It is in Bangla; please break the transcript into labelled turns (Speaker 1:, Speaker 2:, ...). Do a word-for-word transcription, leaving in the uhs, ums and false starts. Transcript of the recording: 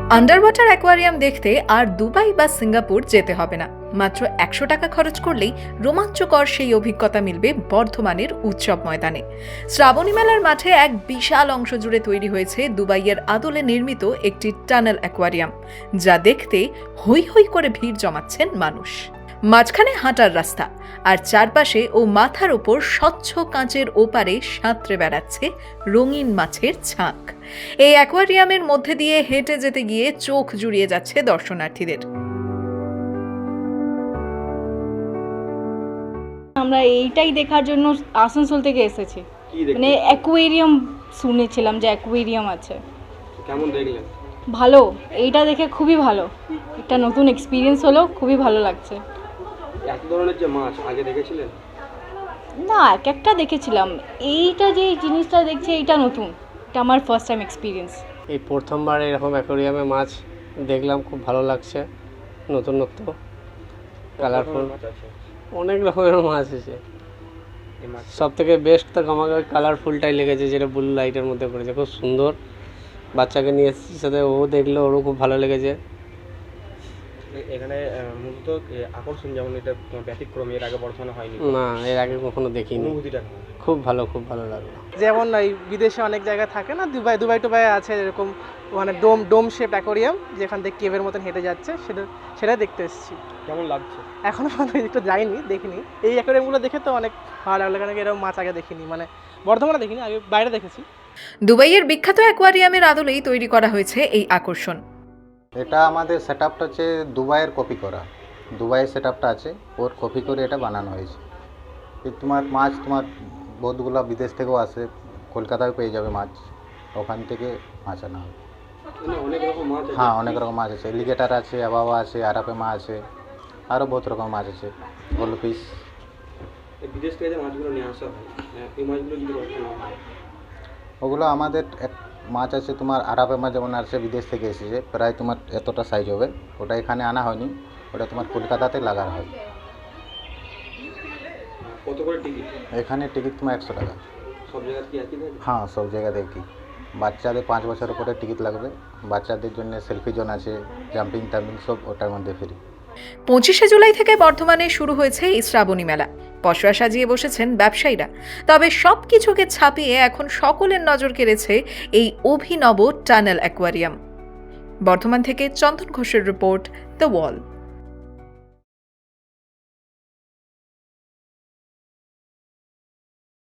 Speaker 1: আন্ডার ওয়াটার অ্যাকোয়ারিয়াম দেখতে আর দুবাই বা সিঙ্গাপুর যেতে হবে না। মাত্র একশো টাকা খরচ করলেই রোমাঞ্চকর সেই অভিজ্ঞতা মিলবে বর্ধমানের উৎসব ময়দানে। শ্রাবণী মেলার মাঠে এক বিশাল অংশ জুড়ে তৈরি হয়েছে দুবাইয়ের আদলে নির্মিত একটি টানেল অ্যাকোয়ারিয়াম, যা দেখতে হৈ হৈ করে ভিড় জমাচ্ছেন মানুষ। মাঝখানে হাঁটার রাস্তা, আর চারপাশে ও মাথার ওপর স্বচ্ছ কাঁচের ওপারে সাঁতরে বেড়াচ্ছে রঙিন মাছের ছাঁক। এই অ্যাকোয়ারিয়ামের মধ্যে দিয়ে হেঁটে যেতে গিয়ে চোখ জুড়িয়ে যাচ্ছে দর্শনার্থীদের।
Speaker 2: আমরা এইটাই দেখার জন্য আসানসোল থেকে এসেছি। মানে অ্যাকোয়ারিয়াম শুনেছিলাম যে অ্যাকোয়ারিয়াম আছে।
Speaker 3: কেমন দেখলেন?
Speaker 2: ভালো, এইটা দেখে খুবই ভালো, একটা নতুন এক্সপিরিয়েন্স হলো, খুবই ভালো লাগছে।
Speaker 3: এত ধরনের যে মাছ আগে দেখেছিলেন?
Speaker 2: না, এক একটা দেখেছিলাম, এইটা যে জিনিসটা দেখছি এইটা নতুন, এটা আমার ফার্স্ট টাইম এক্সপিরিয়েন্স।
Speaker 4: এই প্রথমবার এরকম অ্যাকোয়ারিয়ামে মাছ দেখলাম, খুব ভালো লাগছে, নতুনত্ব, কালারফুল, অনেক রকমের মাছ আছে। সব থেকে বেস্ট তো আমাকে কালারফুলটাই লেগেছে, যেটা ব্লু লাইটের মধ্যে পড়েছে, খুব সুন্দর। বাচ্চাকে নিয়ে এসেছি সাথে, ও দেখলো, ওরও খুব ভালো লেগেছে।
Speaker 3: এখানে মূলত আকর্ষণ যেমন এটা ব্যতিক্রমী, এর আগে বর্তমানে হয়নি।
Speaker 4: না, এর আগে কখনো দেখিনি।
Speaker 3: অনুভূতিটা
Speaker 4: খুব ভালো, খুব ভালো লাগলো।
Speaker 5: যেমন এই বিদেশে অনেক জায়গায় থাকে না, দুবাই দুবাই টুবাই আছে এরকম মানে ডোম ডোম শেপ অ্যাকোয়ারিয়াম, যেখান থেকে কেভের মতন হেঁটে যাচ্ছে, সেটা সেটা দেখতে এসেছি।
Speaker 3: কেমন লাগছে?
Speaker 5: এখনও পর্যন্ত একটু যাইনি, দেখিনি। এই অ্যাকোয়ারিয়ামগুলো দেখে তো অনেক ভালো লাগলো, কারণ এরকম মাছ আগে দেখিনি, মানে বর্ধমানে দেখিনি, আগে বাইরে দেখেছি।
Speaker 1: দুবাইয়ের বিখ্যাত অ্যাকোয়ারিয়ামের আদলেই তৈরি করা হয়েছে এই আকর্ষণ।
Speaker 6: এটা আমাদের সেট আপটা হচ্ছে দুবাইয়ের কপি করা, দুবাইয়ের সেট আপটা আছে, ওর কপি করে এটা বানানো হয়েছে। তোমার মাছ তোমার বহুতগুলো বিদেশ থেকেও আসে, কলকাতায় পেয়ে যাবে মাছ, ওখান থেকে মাছ আনা হবে।
Speaker 3: অনেক রকম মাছ?
Speaker 6: হ্যাঁ, অনেক রকম মাছ আছে, এলিগেটার আছে, আবাবা আছে, আরাপেমা আছে, আরও বহুত রকম মাছ আছে, গোল্ডফিশ।
Speaker 3: বিদেশ থেকে যে মাছগুলো নিয়ে আসা হয়, এই মাছগুলো যদি
Speaker 6: ওগুলো আমাদের এক মাছ আছে তোমার আরাপেমা, যেমন আসছে বিদেশ থেকে এসেছে, প্রায় তোমার এতটা সাইজ হবে, ওটা এখানে আনা হয়নি, ওটা তোমার কলকাতাতে লাগানো হয়।
Speaker 3: কত করে টিকিট?
Speaker 6: এখানে টিকিট তোমার একশো টাকা।
Speaker 3: সব জায়গায় কি একই থাকে?
Speaker 6: হ্যাঁ, সব জায়গাতে কি, বাচ্চাদের পাঁচ বছরের পরে টিকিট লাগবে, বাচ্চাদের জন্য সেলফি জোন আছে, জাম্পিং টাম্পিং সব ওটার মধ্যে ফ্রি।
Speaker 1: পঁচিশে জুলাই থেকে বর্ধমানে শুরু হয়েছে এই শ্রাবণী মেলা। পসরা সাজিয়ে বসেছেন ব্যবসায়ীরা। তবে সব কিছুকে ছাপিয়ে এখন সকলের নজর কেড়েছে এই অভিনব টানেল অ্যাকোয়ারিয়াম। বর্ধমান থেকে চন্দন ঘোষের রিপোর্ট, দ্য ওয়াল।